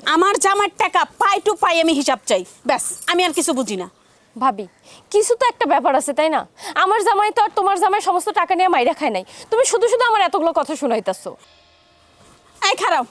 আমার জামার টাকা পাই টু পাই আমি হিসাব চাই, ব্যাস। আমি আর কিছু বুঝি না। ভাবি, কিছু তো একটা ব্যাপার আছে তাই না? আমার জামাই তো আর তোমার জামাই সমস্ত টাকা নিয়ে মাইরা খায় নাই। তুমি শুধু শুধু আমার এতগুলো কথা শুনাইতাছো। এই খারাপ,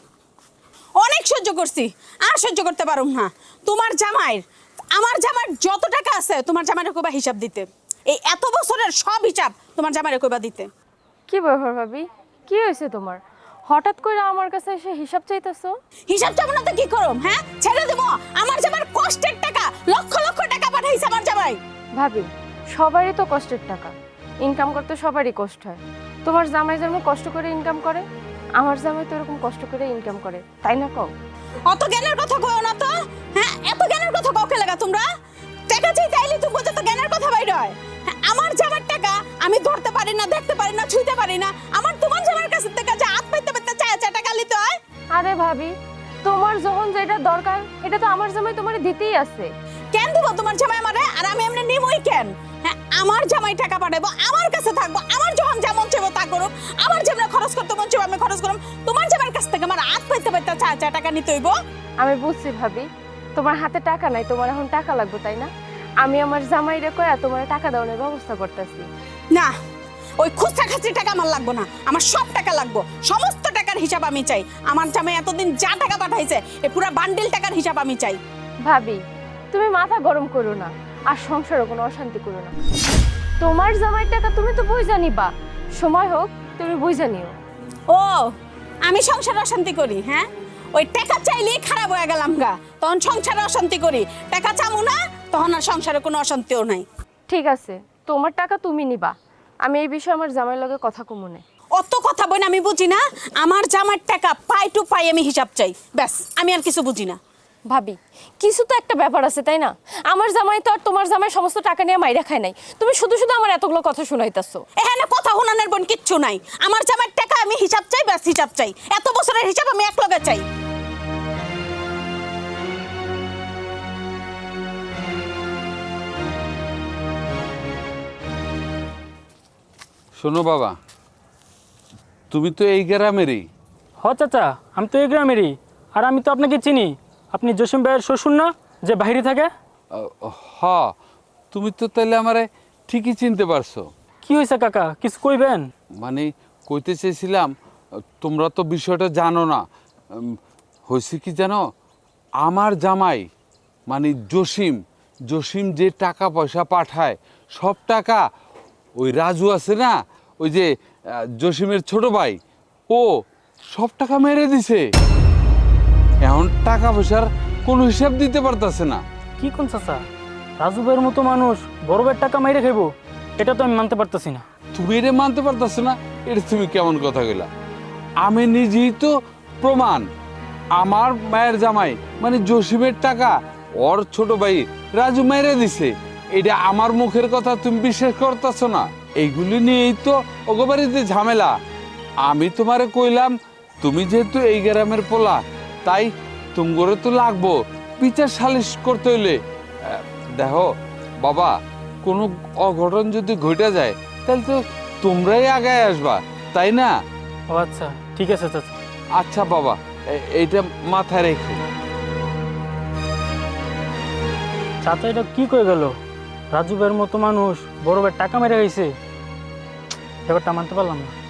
অনেক সহ্য করছি, আর সহ্য করতে পারুম না। তোমার জামাইয়ের আমার জামার যত টাকা আছে তোমার জামাইয়ের কইবা হিসাব দিতে। এই এত বছরের সব হিসাব তোমার জামাইয়ের কইবা দিতে। কি ব্যাপার ভাবি, কি হয়েছে তোমার? হঠাৎ করে আমার কাছে এসে হিসাব চাইতেছো? হিসাব চাবো না তো কি করুম? হ্যাঁ, ছেড়ে দেবো? আমার জামার কষ্টের টাকা, লক্ষ লক্ষ টাকা পাঠাইছে আমার জামাই। ভাবি, সবারই তো কষ্টের টাকা, ইনকাম করতে সবারই কষ্ট হয়। তোমার জামাই যেমন কষ্ট করে ইনকাম করে, আমার জামাই তো এরকম কষ্ট করে ইনকাম করে, তাই না? কও। অত জ্ঞানের কথা কইও না তো। হ্যাঁ, এত জ্ঞানের কথা কাউকে লাগা তোমরা? টাকা চাই তাইলে তুমি বোঝো তো জ্ঞানের কথা বাইর হয়। হ্যাঁ, আমার জামার টাকা আমি ধরতে পারি না, দেখতে পারি না, ছুঁইতে পারি না। আমার তোমার জামার কাছে থেকে যে হাত পাইতে পাইতে চায় টাকা নিতে হয়। আরে ভাবি, তোমার যখন যেটা দরকার এটা তো আমার জামাই তোমারে দিতেই আছে। কেন দিব তোমার জামাই আমারে? আর আমি এমনি নিমই কেন? হ্যাঁ, আমার জামাই টাকা পাঠাবো, আমার কাছে থাকবো, আমার যখন যেমন চাইবো তা করুক, আমার যেমন খরচ করতে মন চাইবো আমি খরচ করুম। তোমার জামাইয়ের কাছ থেকে আমার হাত পাইতে পাইতে চায় টাকা নিতে হইব। আমি বুঝছি ভাবি, তোমার হাতে টাকা নাই, তোমার এখন টাকা লাগবে তাই না? আমি আমার জামাইরে কইয়া তোমার টাকা দেওয়ার ব্যবস্থা করতেছি। না, ওই খুচরা খাচরি টাকা আমার লাগবো না, আমার সব টাকা লাগবো। সমস্ত টাকার হিসাব আমি চাই। আমার জামাই এতদিন যা টাকা পাঠাইছে এই পুরো বান্ডিল টাকার হিসাব আমি চাই। ভাবি, তুমি মাথা গরম করো না, আর সংসারে কোনো অশান্তি করো না। তোমার জামাই টাকা তুমি তো বুঝা নিবা, সময় হোক তুমি বুঝা নিও। ও, আমি সংসারে অশান্তি করি? হ্যাঁ, ওই টাকা চাইলেই খারাপ হয়ে গেলাম গা, তখন সংসারে অশান্তি করি। টাকা চামু না, তখন আর সংসারে কোনো অশান্তিও নাই। ঠিক আছে, তোমার টাকা তুমি নিবা, আমি এই বিষয়ে আমার জামাইয়ের লগে কথা কমুনে। অত কথা বই না, আমি বুঝি না। আমার জামার টাকা পাই টু পাই আমি হিসাব চাই, ব্যাস। আমি আর কিছু বুঝি না। ভাবি, কিছু তো একটা ব্যাপার আছে তাই না? আমার জামাই তো আর তোমার জামাই সমস্ত টাকা নিয়ে মাইরা খায় নাই। তুমি শুধু শুধু আমার এতগুলো কথা শুনাইতাছো। এখানে কথা হুনানের বোন কিচ্ছু নাই। আমার জামার টাকা আমি হিসাব চাই, ব্যাস হিসাব চাই। এত বছরের হিসাব আমি এক লগে চাই। শোনো বাবা, তুমি তো এই গ্রামেরই। হ চাচা, আমি তো এই গ্রামেরই। আর আমি তো আপনাকে চিনি, আপনি জসিম ভাইয়ের শ্বশুর না, যে বাইরে থাকে? হ, তুমি তো তাহলে আমারে ঠিকই চিনতে পারছো। কি হয়েছে কাকা, কিছু কইবেন? মানে কইতে চেয়েছিলাম, তোমরা তো বিষয়টা জানো না। হয়েছে কি জানো, আমার জামাই মানে জসিম জসিম যে টাকা পয়সা পাঠায়, সব টাকা ওই রাজু আছে না, ওই যে জসিমের ছোট ভাই, ও সব টাকা মেরে দিছে। এখন টাকা পয়সার কোনো হিসাব দিতে পারতেছে না। কি কোন চাচা, রাজু ভাইয়ের মতো মানুষ বড় ভাইয়ের টাকা মাইরে খাইব? এটা তো আমি মানতে পারতেছি না। তুমি এটা মানতে পারতেছো না? এটা তুমি কেমন কথা কইলা? আমি নিজেই তো প্রমাণ। আমার মায়ের জামাই মানে জসিমের টাকা ওর ছোট ভাই রাজু মেরে দিছে। এটা আমার মুখের কথা তুমি বিশ্বাস করতেছো না? এইগুলি নিয়েই তো ওগো বাড়িতে ঝামেলা। আমি তোমারে কইলাম, তুমি যেহেতু এই গ্রামের পোলা, তাই তুমগরে তো লাগবো বিচার সালিশ করতে হইলে। দেখো বাবা, কোনো অঘটন যদি ঘটে যায় তাহলে তো তোমরাই আগায় আসবা, তাই না? ও আচ্ছা, ঠিক আছে চাচা। আচ্ছা বাবা, এইটা মাথায় রেখো। চাচা এটা কি কয়ে গেল? রাজু ভাইয়ের মতো মানুষ বড় ভাইয়ের টাকা মেরে খাইছে? ব্যাপারটা মানতে পারলাম না।